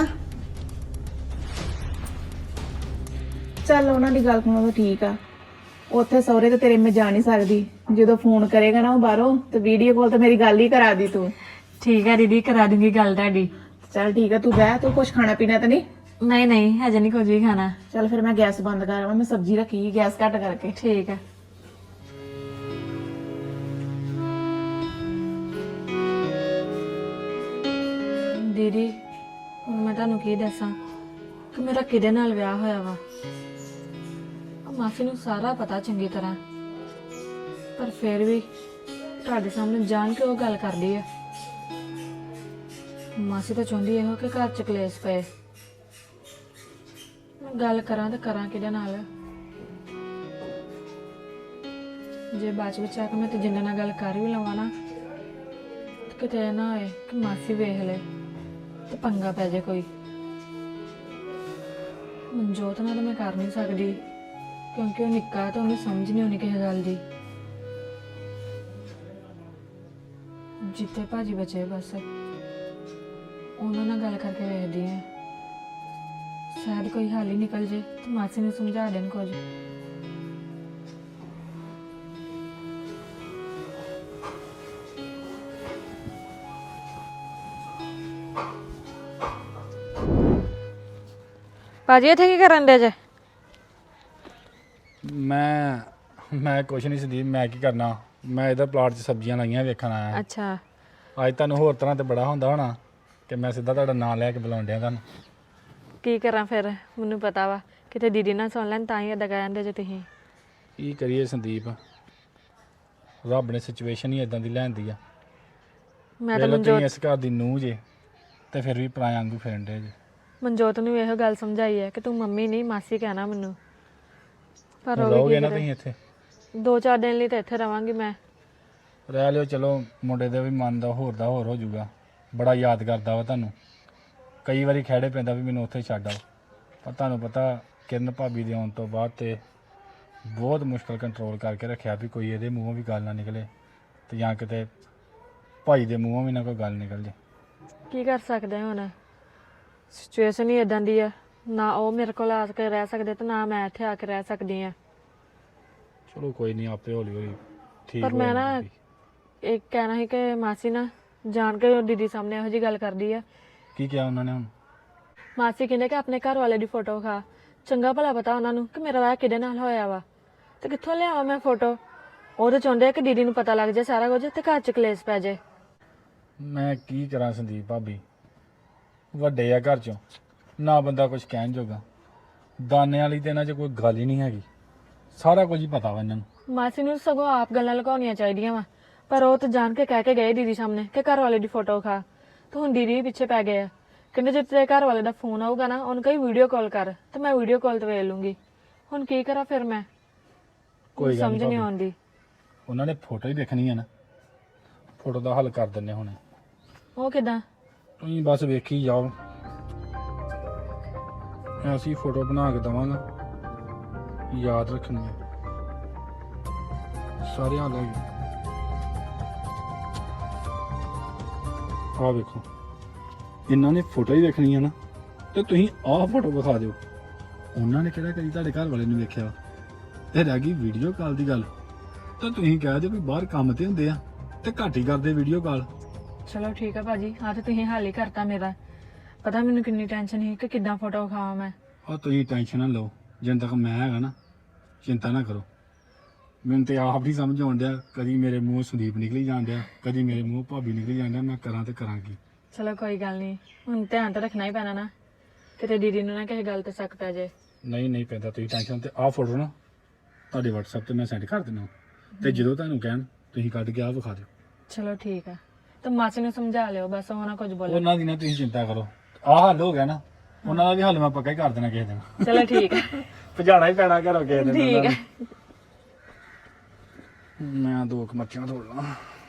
S2: ਚੱਲ ਉਹਨਾਂ ਦੀ ਗੱਲ ਸੁਣੋ ਤਾਂ ਠੀਕ ਆ। ਉੱਥੇ ਸਹੁਰੇ ਤੇ ਤੇਰੇ ਮੈਂ ਜਾ ਨਹੀਂ ਸਕਦੀ। ਜਦੋਂ ਫੋਨ ਕਰੇਗਾ ਨਾ ਉਹ ਬਾਹਰੋਂ, ਤੇ ਵੀਡੀਓ ਕਾਲ ਤੇ ਮੇਰੀ ਗੱਲ ਹੀ ਕਰਾ ਦੀ ਤੂੰ।
S1: ਠੀਕ ਹੈ ਦੀਦੀ, ਕਰਾ ਦੂੰਗੀ ਗੱਲ ਤੁਹਾਡੀ।
S2: ਚੱਲ ਠੀਕ ਆ, ਤੂੰ ਬਹਿ। ਤੂੰ ਕੁਝ ਖਾਣਾ ਪੀਣਾ ਤਾਂ ਨਹੀਂ?
S1: ਨਹੀਂ ਨਹੀਂ, ਹਜੇ ਨਹੀਂ ਕੁਝ ਵੀ ਖਾਣਾ।
S2: ਚੱਲ ਫਿਰ ਮੈਂ ਗੈਸ ਬੰਦ ਕਰਾਵਾਂ, ਮੈਂ ਸਬਜ਼ੀ ਰੱਖੀ ਗੈਸ ਘੱਟ ਕਰਕੇ।
S1: ਠੀਕ ਹੈ। ਦੀਦੀ ਹੁਣ ਮੈਂ ਤੁਹਾਨੂੰ ਕੀ ਦੱਸਾਂ ਕਿ ਮੇਰਾ ਕਿਹਦੇ ਨਾਲ ਵਿਆਹ ਹੋਇਆ ਵਾ। ਮਾਸੀ ਨੂੰ ਸਾਰਾ ਪਤਾ ਚੰਗੀ ਤਰ੍ਹਾਂ, ਪਰ ਫਿਰ ਵੀ ਤੁਹਾਡੇ ਸਾਹਮਣੇ ਜਾਣ ਕੇ ਉਹ ਗੱਲ ਕਰਦੀ ਆ। ਮਾਸੀ ਤਾਂ ਚਾਹੁੰਦੀ ਇਹੋ ਕਿ ਘਰ ਚ ਕਲੇਸ਼ ਪਏ। ਮੈਂ ਗੱਲ ਕਰਾਂ ਤਾਂ ਕਰਾਂ ਕਿਹਦੇ ਨਾਲ? ਜੇ ਬਾਅਦ ਵਿੱਚ ਆ ਕੇ ਮੈਂ ਤੇ ਜਿੰਨਾ ਨਾਲ ਗੱਲ ਕਰ ਵੀ ਲਵਾਂ ਨਾ, ਤੇ ਕਿਤੇ ਇਹ ਨਾ ਹੋਏ ਕਿ ਮਾਸੀ ਵੇਖ ਲੈ ਤੇ ਪੰਗਾ ਪੈ ਜਾਏ ਕੋਈ। ਮਨਜੋਤ ਨਾਲ ਤਾਂ ਮੈਂ ਕਰ ਨਹੀਂ ਸਕਦੀ, ਕਿਉਂਕਿ ਉਹ ਨਿੱਕਾ ਤਾਂ ਉਹਨੂੰ ਸਮਝ ਨਹੀਂ ਆਉਣੀ ਕਿਸੇ ਗੱਲ ਦੀ। ਜਿੱਥੇ ਭਾਜੀ ਬਚੇ ਬਸ ਉਹਨਾਂ ਨਾਲ ਗੱਲ ਕਰਕੇ ਵੇਖਦੀ ਆ ਸ਼ਾਇਦ ਕੋਈ ਹੱਲ ਹੀ ਨਿਕਲ ਜੇ ਤੇ ਮਾਸੀ ਨੂੰ ਸਮਝਾ ਦੇਣ ਕੁਝ। ਭਾਜੀ ਇੱਥੇ ਕੀ ਕਰਨ ਦੇ ਜੇ?
S3: ਮੈਂ ਮੈਂ ਕੁਛ ਨਹੀਂ ਸੰਦੀਪ, ਮੈਂ ਕੀ ਕਰਨਾ, ਮੈਂ ਇਹਦਾ ਪਲਾਟ 'ਚ ਸਬਜ਼ੀਆਂ ਲਾਈਆਂ ਵੇਖਣ ਆਇਆ।
S1: ਅੱਛਾ
S3: ਅੱਜ ਤੁਹਾਨੂੰ ਹੋਰ ਤਰ੍ਹਾਂ ਤੇ ਬੜਾ ਹੁੰਦਾ ਹੋਣਾ ਕਿ ਮੈਂ ਸਿੱਧਾ ਤੁਹਾਡਾ ਨਾਂ ਲੈ ਕੇ ਬੁਲਾਉਣ ਡਿਆ ਤੁਹਾਨੂੰ।
S1: ਕੀ ਕਰਾਂ ਫਿਰ, ਮੈਨੂੰ ਪਤਾ ਵਾ ਕਿਤੇ ਦੀਦੀ ਨਾ ਸੁਣ ਲੈਣ ਤਾਂ ਹੀ ਏਦਾਂ ਕਹਿੰਦੇ ਜੇ ਤੁਸੀਂ।
S3: ਕੀ ਕਰੀਏ ਸੰਦੀਪ, ਰੱਬ ਨੇ ਸਿਚੁਏਸ਼ਨ ਹੀ ਇਦਾਂ ਦੀ ਲੈਂਦੀ ਆ।
S1: ਮੈਂ ਤਾਂ
S3: ਵੇਖ ਲਓ
S1: ਮਨਜੋਤ
S3: ਤੁਸੀਂ ਇਸ ਘਰ ਦੀ ਨੂੰਹ ਜੇ ਤੇ ਫਿਰ ਵੀ ਪਰਾਇਆ ਵਾਂਗੂ ਫਿਰਨ ਡੇ ਜੇ।
S1: ਮਨਜੋਤ ਨੂੰ ਇਹੋ ਗੱਲ ਸਮਝਾਈ ਹੈ ਕਿ ਤੂੰ ਮੰਮੀ ਨਹੀਂ ਮਾਸੀ ਕਹਿਣਾ ਮੈਨੂੰ, ਪਰ ਉਹ
S3: ਰਹੋਗੇ
S1: ਵੀ
S3: ਨਾ
S1: ਕੀ
S3: ਤੁਸੀਂ
S1: ਕਰੇ।
S3: ਇੱਥੇ
S1: ਦੋ ਚਾਰ ਦਿਨ ਲਈ ਤਾਂ ਇੱਥੇ ਰਵਾਂਗੀ ਮੈਂ।
S3: ਰਹਿ ਲਿਓ, ਚਲੋ ਮੁੰਡੇ ਦੇ ਵੀ ਮਨ ਦਾ ਹੋਰ ਦਾ ਹੋਰ ਹੋ ਜਾਊਗਾ। ਬੜਾ ਯਾਦ ਕਰਦਾ ਵਾ ਤੁਹਾਨੂੰ, ਕਈ ਵਾਰੀ ਖਹਿੜੇ ਪੈਂਦਾ ਵੀ ਮੈਨੂੰ ਉੱਥੇ ਛੱਡ ਆਓ, ਪਰ ਤੁਹਾਨੂੰ ਪਤਾ ਕਿਰਨ ਭਾਬੀ ਦੇ ਆਉਣ ਤੋਂ ਬਾਅਦ ਤੇ ਬਹੁਤ ਮੁਸ਼ਕਲ ਕੰਟਰੋਲ ਕਰਕੇ ਰੱਖਿਆ ਵੀ ਕੋਈ ਇਹਦੇ ਮੂੰਹੋਂ ਵੀ ਗੱਲ ਨਾ ਨਿਕਲੇ ਤੇ ਜਾਂ ਕਿਤੇ ਭਾਈ ਦੇ ਮੂੰਹੋਂ ਵੀ ਨਾ ਕੋਈ ਗੱਲ ਨਿਕਲ ਜੇ।
S1: ਕੀ ਕਰ ਸਕਦੇ ਹਾਂ ਹੁਣ, ਸਿਚੁਏਸ਼ਨ ਹੀ ਇਦਾਂ ਦੀ ਆ, ਨਾ ਉਹ ਮੇਰੇ ਕੋਲ ਆ ਕੇ ਰਹਿ ਸਕਦੇ ਤੇ ਨਾ ਮੈਂ ਇੱਥੇ ਆ ਕੇ ਰਹਿ ਸਕਦੀ ਆ।
S3: ਚਲੋ ਕੋਈ ਨਹੀਂ, ਆਪੇ ਹੌਲੀ ਹੌਲੀ ਠੀਕ
S1: ਪਰ
S3: ਹੋ
S1: ਮੈਂ ਨਾ
S3: ਜਾਊਗੀ।
S1: ਇਹ ਕਹਿਣਾ ਸੀ ਕਿ ਮਾਸੀ ਨਾ ਜਾਣ ਕੇ ਦੀਦੀ ਸਾਹਮਣੇ ਇਹੋ ਜਿਹੀ ਗੱਲ ਕਰਦੀ ਆ।
S3: ਕੀ ਕਿਹਾ ਉਹਨਾਂ ਨੇ ਹੁਣ?
S1: ਮਾਸੀ ਕਹਿੰਦੇ ਕਿ ਆਪਣੇ ਘਰ ਵਾਲੇ ਦੀ ਫੋਟੋ ਖਾ, ਚੰਗਾ ਭਲਾ ਪਤਾ ਉਹਨਾਂ ਨੂੰ ਕਿ ਮੇਰਾ ਵਿਆਹ ਕਿਹਦੇ ਨਾਲ ਹੋਇਆ ਵਾ ਤੇ ਕਿੱਥੋਂ ਲਿਆਵਾਂ ਮੈਂ ਫੋਟੋ। ਉਹ ਤਾਂ ਚਾਹੁੰਦੇ ਆ ਕਿ ਦੀਦੀ ਨੂੰ ਪਤਾ ਲੱਗ ਜਾਏ ਸਾਰਾ ਕੁਝ ਤੇ ਘਰ ਚ ਕਲੇਸ਼ ਪੈ ਜਾਏ।
S3: ਮੈਂ ਕੀ ਕਰਾਂ ਸੰਦੀਪ ਭਾਬੀ, ਵੱਡੇ ਆ ਘਰ ਚੋਂ, ਨਾ ਬੰਦਾ ਕੁਝ ਕਹਿਣ ਜੋਗਾ। ਦਾਨੇ ਵਾਲੀ ਤੇ ਇਹਨਾਂ 'ਚ ਕੋਈ ਗੱਲ ਹੀ ਨਹੀਂ ਹੈਗੀ, ਸਾਰਾ ਕੁਝ ਹੀ ਪਤਾ ਵਾ ਇਹਨਾਂ ਨੂੰ।
S1: ਮਾਸੀ ਨੂੰ ਸਗੋਂ ਆਪ ਗੱਲਾਂ ਲੁਕਾਉਣੀਆਂ ਚਾਹੀਦੀਆਂ ਵਾ, ਪਰ ਉਹ ਤਾਂ ਜਾਣ ਕੇ ਕਹਿ ਕੇ ਗਏ ਦੀਦੀ ਸਾਹਮਣੇ ਕਿ ਘਰ ਵਾਲੇ ਦੀ ਫੋਟੋ ਖਾ, ਤੇ ਹੁਣ ਦੀਦੀ ਵੀ ਪਿੱਛੇ ਪੈ ਗਏ ਆ। ਕਹਿੰਦੇ ਜੇ ਤੇਰੇ ਘਰ ਵਾਲੇ ਦਾ ਫੋਨ ਆਊਗਾ ਨਾ ਉਹਨੂੰ ਕਹੀ ਵੀਡੀਓ ਕਾਲ ਕਰ, ਤੇ ਮੈਂ ਵੀਡੀਓ ਕਾਲ ਤੇ ਵੇਖ ਲੂੰਗੀ। ਹੁਣ ਕੀ ਕਰਾਂ ਫਿਰ ਮੈਂ,
S3: ਕੋਈ ਗੱਲ
S1: ਸਮਝ ਨਹੀਂ
S3: ਨਹੀਂ,
S1: ਆਉਂਦੀ।
S3: ਉਹਨਾਂ ਨੇ ਫੋਟੋ ਹੀ ਦੇਖਣੀ ਆ ਨਾ, ਫੋਟੋ ਦਾ ਹੱਲ ਕਰ ਦਿੰਨੇ ਹੁਣੇ।
S1: ਉਹ ਕਿਦਾਂ?
S3: ਤੁਸੀਂ ਬਸ ਵੇਖੀ ਜਾਓ, ਮੈਂ ਅਸੀਂ ਫੋਟੋ ਬਣਾ ਕੇ ਦਵਾਂਗਾ, ਯਾਦ ਰੱਖਣੀ ਹੈ ਸਾਰੇ ਹਾਲ ਹੈਗੇ। ਆਹ ਵੇਖੋ, ਇਹਨਾਂ ਨੇ ਫੋਟੋ ਹੀ ਵੇਖਣੀ ਆ ਨਾ, ਤੇ ਤੁਸੀਂ ਆਹ ਫੋਟੋ ਵਿਖਾ ਦਿਓ। ਉਹਨਾਂ ਨੇ ਕਿਹੜਾ ਕਦੀ ਤੁਹਾਡੇ ਘਰ ਵਾਲੇ ਨੂੰ ਵੇਖਿਆ? ਇਹ ਰਹਿ ਗਈ ਵੀਡੀਓ ਕਾਲ ਦੀ ਗੱਲ, ਤਾਂ ਤੁਸੀਂ ਕਹਿ ਦਿਓ ਵੀ ਬਾਹਰ ਕੰਮ ਤੇ ਹੁੰਦੇ ਆ ਤੇ ਘੱਟ ਹੀ ਕਰਦੇ ਵੀਡੀਓ ਕਾਲ।
S1: ਚਲੋ ਠੀਕ ਆ ਭਾਜੀ, ਆ ਤੇ ਤੁਸੀਂ ਹੱਲ ਹੀ ਕਰਤਾ ਮੇਰਾ। ਪਤਾ ਮੈਨੂੰ ਕਿੰਨੀ ਟੈਨਸ਼ਨ ਸੀ ਕਿ ਕਿੱਦਾਂ ਫੋਟੋ ਖਾਵਾਂ ਮੈਂ।
S3: ਆ ਤੁਸੀਂ ਟੈਨਸ਼ਨ ਨਾ ਲਓ, ਜਿੰਨ ਤੱਕ ਮੈਂ ਹੈਗਾ ਨਾ ਚਿੰਤਾ ਨਾ ਕਰੋ। ਮੈਨੂੰ ਤੇ ਆਪ ਨਹੀਂ ਸਮਝ ਆਉਣ ਡਿਆ, ਕਦੀ ਮੇਰੇ ਮੂੰਹ ਸੰਦੀਪ ਨਿਕਲੀ ਜਾਣ ਡਿਆ, ਕਦੀ ਮੇਰੇ ਮੂੰਹ ਭਾਬੀ ਨਿਕਲੀ ਜਾਣ ਡਿਆ, ਮੈਂ ਕਰਾਂ ਤੇ ਕਰਾਂ ਕੀ।
S1: ਚਲੋ ਕੋਈ ਗੱਲ ਨਹੀਂ, ਹੁਣ ਧਿਆਨ ਤਾਂ ਰੱਖਣਾ ਹੀ ਪੈਣਾ ਨਾ, ਕਿਤੇ ਦੀਦੀ ਨੂੰ ਨਾ ਕਿਸੇ ਗੱਲ ਤੇ ਸ਼ੱਕ ਪੈ ਜਾਏ।
S3: ਨਹੀਂ ਨਹੀਂ ਪੈਂਦਾ, ਤੁਸੀਂ ਟੈਨਸ਼ਨ ਤੇ ਆਹ ਫੋਟੋ ਨਾ ਤੁਹਾਡੇ WhatsApp ਤੇ ਮੈਂ ਸੈਂਡ ਕਰ ਦਿੰਦਾ, ਤੇ ਜਦੋਂ ਤੁਹਾਨੂੰ ਕਹਿਣ ਤੁਸੀਂ ਕੱਢ ਕੇ ਆਹ ਵਿਖਾ ਦਿਓ।
S1: ਚਲੋ ਠੀਕ ਆ, ਤੇ ਮਾਸੀ ਨੂੰ ਸਮਝਾ ਲਿਓ ਬਸ, ਉਹ ਨਾ ਕੁਝ ਬੋਲੇ।
S3: ਉਹਨਾਂ ਦੀ ਨਾ ਤੁਸੀਂ ਚਿੰਤਾ ਕਰੋ, ਆਹ ਹੱਲ ਹੋ ਗਿਆ ਨਾ, ਉਹਨਾਂ ਦਾ ਵੀ ਹੱਲ ਮੈਂ ਪੱਕਾ ਹੀ ਕਰ ਦੇਣਾ ਕਿਸੇ ਦਿਨ।
S1: ਚਲੋ ਠੀਕ ਆ,
S3: ਭਜਾਣਾ ਹੀ ਪੈਣਾ ਘਰੋਂ ਕਿਸੇ ਦਿਨ।
S1: ਠੀਕ ਆ।
S3: ਮੈਂ ਦੋ ਕੁ ਮੱਛੀਆਂ ਧੋ ਲਾਂ।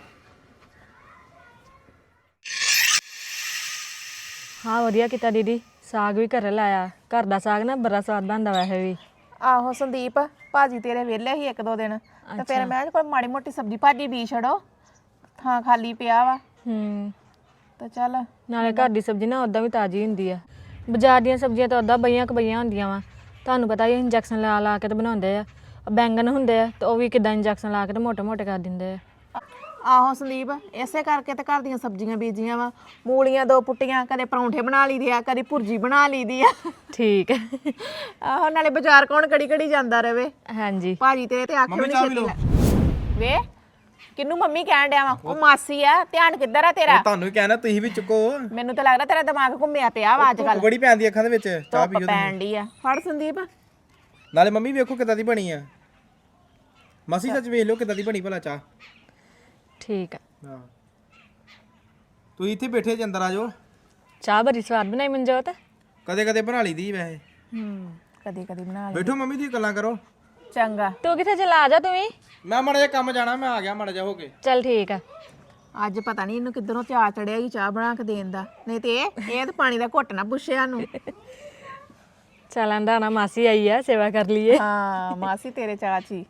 S1: ਹਾਂ ਵਧੀਆ ਕੀਤਾ ਦੀਦੀ, ਸਾਗ ਵੀ ਘਰੇ ਲਾਇਆ। ਘਰ ਦਾ ਸਾਗ ਨਾ ਬੜਾ ਸਵਾਦ ਬਣਦਾ ਵੈਸੇ ਵੀ।
S2: ਆਹੋ ਸੰਦੀਪ, ਭਾਜੀ ਤੇਰੇ ਵਿਹਲੇ ਸੀ ਇੱਕ ਦੋ ਦਿਨ, ਤੇ ਫਿਰ ਮੈਂ ਕੋਈ ਮਾੜੀ ਮੋਟੀ ਸਬਜ਼ੀ ਭਾਜੀ ਬੀਜ ਛੜੋ, ਥਾਂ ਖਾਲੀ ਪਿਆ ਵਾ,
S1: ਹੂੰ,
S2: ਤੇ ਚੱਲ।
S1: ਨਾਲੇ ਘਰ ਦੀ ਸਬਜ਼ੀ ਨਾ ਉਦਾਂ ਵੀ ਤਾਜ਼ੀ ਹੁੰਦੀ ਆ। ਬਾਜ਼ਾਰ ਦੀਆਂ ਸਬਜ਼ੀਆਂ ਤਾਂ ਉਦਾਂ ਬਈਆਂ ਕਬਈਆਂ ਹੁੰਦੀਆਂ ਵਾ, ਤੁਹਾਨੂੰ ਪਤਾ ਹੀ ਇੰਜੈਕਸ਼ਨ ਲਾ ਲਾ ਕੇ ਤੇ ਬਣਾਉਂਦੇ ਆ। ਬੈਂਗਣ ਹੁੰਦੇ ਆ ਤੇ ਉਹ ਵੀ ਕਿਦਾਂ ਇੰਜੈਕਸ਼ਨ ਲਾ ਕੇ ਤੇ ਮੋਟੇ ਮੋਟੇ ਕਰ ਦਿੰਦੇ ਆ।
S2: ਆਹੋ ਸੰਦੀਪ, ਇਸੇ ਕਰਕੇ ਤੇ ਘਰ ਦੀਆਂ ਸਬਜ਼ੀਆਂ ਬੀਜੀਆਂ ਵਾ। ਮੂਲੀਆਂ ਦੋ ਪੁੱਟੀਆਂ, ਕਦੇ ਪਰੌਂਠੇ ਬਣਾ ਲਈਦੇ ਆ, ਕਦੇ ਭੁਰਜੀ ਬਣਾ ਲਈਦੀ ਆ।
S1: ਠੀਕ ਹੈ।
S2: ਆਹੋ, ਨਾਲੇ ਬਾਜ਼ਾਰ ਕੌਣ ਕੜੀ ਕੜੀ ਜਾਂਦਾ ਰਵੇ।
S1: ਹਾਂਜੀ
S2: ਭਾਜੀ ਤੇਰੇ ਤੇ ਆਖੇ ਵੀ ਛੇਤੀ ਲੈ ਵੇ, ਕਿਹਨੂੰ ਮੰਮੀ ਕਹਿਣ ਡਿਆ ਵਾ? ਉਹ ਮਾਸੀ ਆ, ਧਿਆਨ ਕਿੱਧਰ ਆ ਤੇਰਾ?
S4: ਤੁਹਾਨੂੰ ਵੀ ਕਹਿਣਾ, ਤੁਸੀਂ ਵੀ ਚੁੱਕੋ।
S2: ਮੈਨੂੰ ਤਾਂ ਲੱਗਦਾ ਤੇਰਾ ਦਿਮਾਗ ਘੁੰਮਿਆ ਪਿਆ ਵਾ ਅੱਜ ਕੱਲ।
S4: ਬੜੀ ਪੈਂਦੀ ਅੱਖਾਂ ਦੇ ਵਿੱਚ, ਚਾਹ ਪੀਓ
S2: ਪੈਣ ਡਈ ਆ। ਫੜ ਸੰਦੀਪ।
S4: ਨਾਲੇ ਮੰਮੀ ਵੇਖੋ ਕਿੱਦਾਂ ਦੀ ਬਣੀ ਆ। ਮਾਸੀ ਸੱਚ ਵੇਖ ਲਓ ਕਿੱਦਾਂ ਦੀ ਬਣੀ ਭਲਾ ਚਾਹ।
S1: ਠੀਕ ਆ,
S4: ਹਾਂ, ਤੁਸੀਂ ਇੱਥੇ ਬੈਠੇ ਜੇ ਅੰਦਰ ਆ ਜਾਓ।
S1: ਚਾਹ ਬੜੀ ਸਵਾਦ ਬਣਾਈ ਮਨਜੋਤ।
S4: ਕਦੇ ਕਦੇ ਬਣਾ ਲਈਦੀ ਵੈਸੇ।
S2: ਹੂੰ, ਕਦੀ ਕਦੀ ਬਣਾ ਲੈ।
S4: ਬੈਠੋ ਮੰਮੀ, ਤੁਸੀਂ ਗੱਲਾਂ ਕਰੋ।
S2: ਚੰਗਾ।
S1: ਤੂੰ ਕਿੱਥੇ ਚਲਾ ਆ ਜਾ ਤੂੰ ਵੀ।
S4: ਮੈਂ ਮਾੜਾ ਜਿਹਾ ਕੰਮ ਜਾਣਾ, ਮੈਂ ਆ ਗਿਆ ਮਾੜਾ ਜਿਹਾ ਹੋ ਕੇ।
S1: ਚੱਲ ਠੀਕ ਆ।
S2: ਅੱਜ ਪਤਾ ਨਹੀਂ ਇਹਨੂੰ ਕਿੱਧਰੋਂ ਚਾਅ ਚੜਿਆ ਕਿ ਚਾਹ ਬਣਾ ਕੇ ਦੇਣ ਦਾ, ਨਹੀਂ ਤੇ ਇਹ ਇਹ ਤਾਂ ਪਾਣੀ ਦਾ ਘੁੱਟ ਨਾ ਪੁੱਛਿਆ ਨੂੰ।
S1: ਚੱਲ ਆਂਦਾ ਨਾ ਮਾਸੀ ਆਈ ਆ, ਸੇਵਾ ਕਰ ਲਈਏ।
S2: ਹਾਂ, ਮਾਸੀ ਤੇਰੇ ਚਾਚੀ।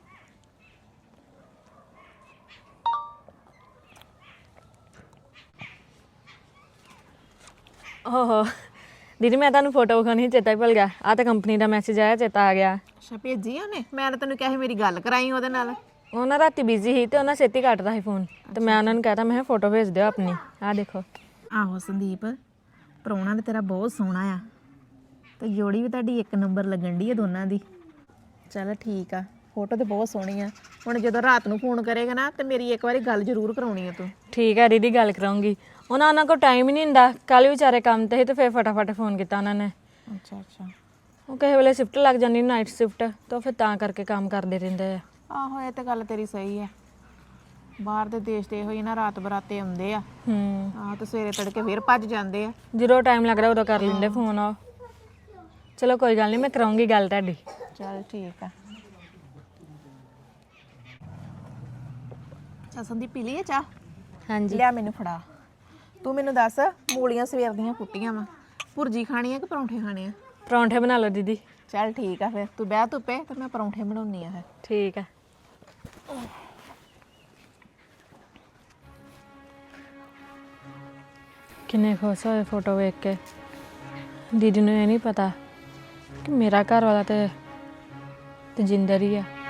S1: ਓਹੋ ਦੀਦੀ ਮੈਂ ਤੁਹਾਨੂੰ ਫੋਟੋ ਵਿਖਾਉਣੀ ਸੀ, ਚੇਤਾ ਹੀ ਭੁੱਲ ਗਿਆ। ਆ ਤਾਂ ਕੰਪਨੀ ਦਾ ਮੈਸੇਜ ਆਇਆ, ਚੇਤਾ ਆ ਗਿਆ।
S2: ਅੱਛਾ ਭੇਜੀ ਉਹਨੇ? ਮੈਂ ਤਾਂ ਤੈਨੂੰ ਕਿਹਾ ਸੀ ਮੇਰੀ ਗੱਲ ਕਰਾਈ ਉਹਦੇ ਨਾਲ।
S1: ਉਹ ਨਾ ਰਾਤੀ ਬਿਜ਼ੀ ਸੀ ਤੇ ਉਹਨਾਂ ਛੇਤੀ ਕੱਟਦਾ ਸੀ ਫੋਨ, ਤੇ ਮੈਂ ਉਹਨਾਂ ਨੂੰ ਕਹਿਤਾ ਮੈਂ ਫੋਟੋ ਭੇਜ ਦਿਓ ਆਪਣੀ। ਆਹ ਦੇਖੋ।
S2: ਆਹੋ ਸੰਦੀਪ, ਪ੍ਰਾਹੁਣਾ ਤੇ ਤੇਰਾ ਬਹੁਤ ਸੋਹਣਾ ਆ ਤੇ ਜੋੜੀ ਵੀ ਤੁਹਾਡੀ ਇੱਕ ਨੰਬਰ ਲੱਗਣ ਦੀ ਆ ਦੋਨਾਂ ਦੀ। ਚੱਲ ਠੀਕ ਆ, ਫੋਟੋ ਤੇ ਬਹੁਤ ਸੋਹਣੀ ਆ। ਹੁਣ ਜਦੋਂ ਰਾਤ ਨੂੰ ਫੋਨ ਕਰੇਗਾ ਨਾ ਤੇ ਮੇਰੀ ਇੱਕ ਵਾਰੀ ਗੱਲ ਜ਼ਰੂਰ ਕਰਾਉਣੀ ਆ ਤੂੰ।
S1: ਠੀਕ ਹੈ ਦੀਦੀ, ਗੱਲ ਕਰਾਉਂਗੀ। ਉਹਨਾਂ ਉਹਨਾਂ ਕੋਲ ਟਾਈਮ ਹੀ ਨਹੀਂ ਹੁੰਦਾ, ਕੱਲ ਵਿਚਾਰੇ ਕੰਮ ਤੇ ਸੀ ਤੇ ਫਿਰ ਫਟਾਫਟ ਫੋਨ ਕੀਤਾ ਉਹਨਾਂ ਨੇ।
S2: ਅੱਛਾ ਅੱਛਾ।
S1: ਉਹ ਕਿਸੇ ਵੇਲੇ ਸ਼ਿਫਟ ਲੱਗ ਜਾਂਦੀ, ਨਾਈਟ ਸ਼ਿਫਟ, ਤਾਂ ਫਿਰ ਤਾਂ ਕਰਕੇ ਕੰਮ ਕਰਦੇ ਰਹਿੰਦੇ ਆ।
S2: ਆਹੋ ਇਹ ਤੇ ਗੱਲ ਤੇਰੀ ਸਹੀ ਆ। ਬਾਹਰ ਦੇ ਦੇਸ਼ ਦੇ ਹੋਈ ਨਾ ਰਾਤ ਬਰਾਤੇ ਆਉਂਦੇ ਆ।
S1: ਹੂੰ,
S2: ਆਹ ਤੇ ਸਵੇਰੇ ਤੜਕੇ ਫਿਰ ਭੱਜ ਜਾਂਦੇ ਆ।
S1: ਜਦੋਂ ਟਾਈਮ ਲੱਗਦਾ ਉਦੋਂ ਕਰ ਲੈਂਦੇ ਫੋਨ। ਆ ਚਲੋ ਕੋਈ ਗੱਲ ਨਹੀਂ, ਮੈਂ ਕਰਾਉਂਗੀ ਗੱਲ ਤੁਹਾਡੀ।
S2: ਚੱਲ ਠੀਕ ਆ। ਅੱਛਾ ਸੰਦੀਪ ਪੀ ਲਈ ਆ ਚਾਹ?
S1: ਹਾਂਜੀ।
S2: ਲਿਆ ਮੈਨੂੰ ਫੜਾ। ਤੂੰ ਮੈਨੂੰ ਦੱਸ, ਮੂਲੀਆਂ ਸਵੇਰ ਦੀਆਂ ਪੁੱਟੀਆਂ ਵਾ, ਭੁਰਜੀ ਖਾਣੀ ਆ ਕਿ ਪਰੌਂਠੇ ਖਾਣੇ ਆ?
S1: ਪਰੌਂਠੇ ਬਣਾ ਲਓ ਦੀਦੀ।
S2: ਚੱਲ ਠੀਕ ਆ, ਫਿਰ ਤੂੰ ਬਹਿ ਧੁੱਪੇ ਤੇ ਮੈਂ ਪਰੌਂਠੇ ਬਣਾਉਣੀ ਆ ਫਿਰ।
S1: ਠੀਕ ਹੈ। ਕਿੰਨੇ ਖੁਸ਼ ਹੋਏ ਫੋਟੋ ਵੇਖ ਕੇ। ਦੀਦੀ ਨੂੰ ਇਹ ਨਹੀਂ ਪਤਾ ਕਿ ਮੇਰਾ ਘਰ ਵਾਲਾ ਤੇ ਤਜਿੰਦਰ ਹੀ ਆ।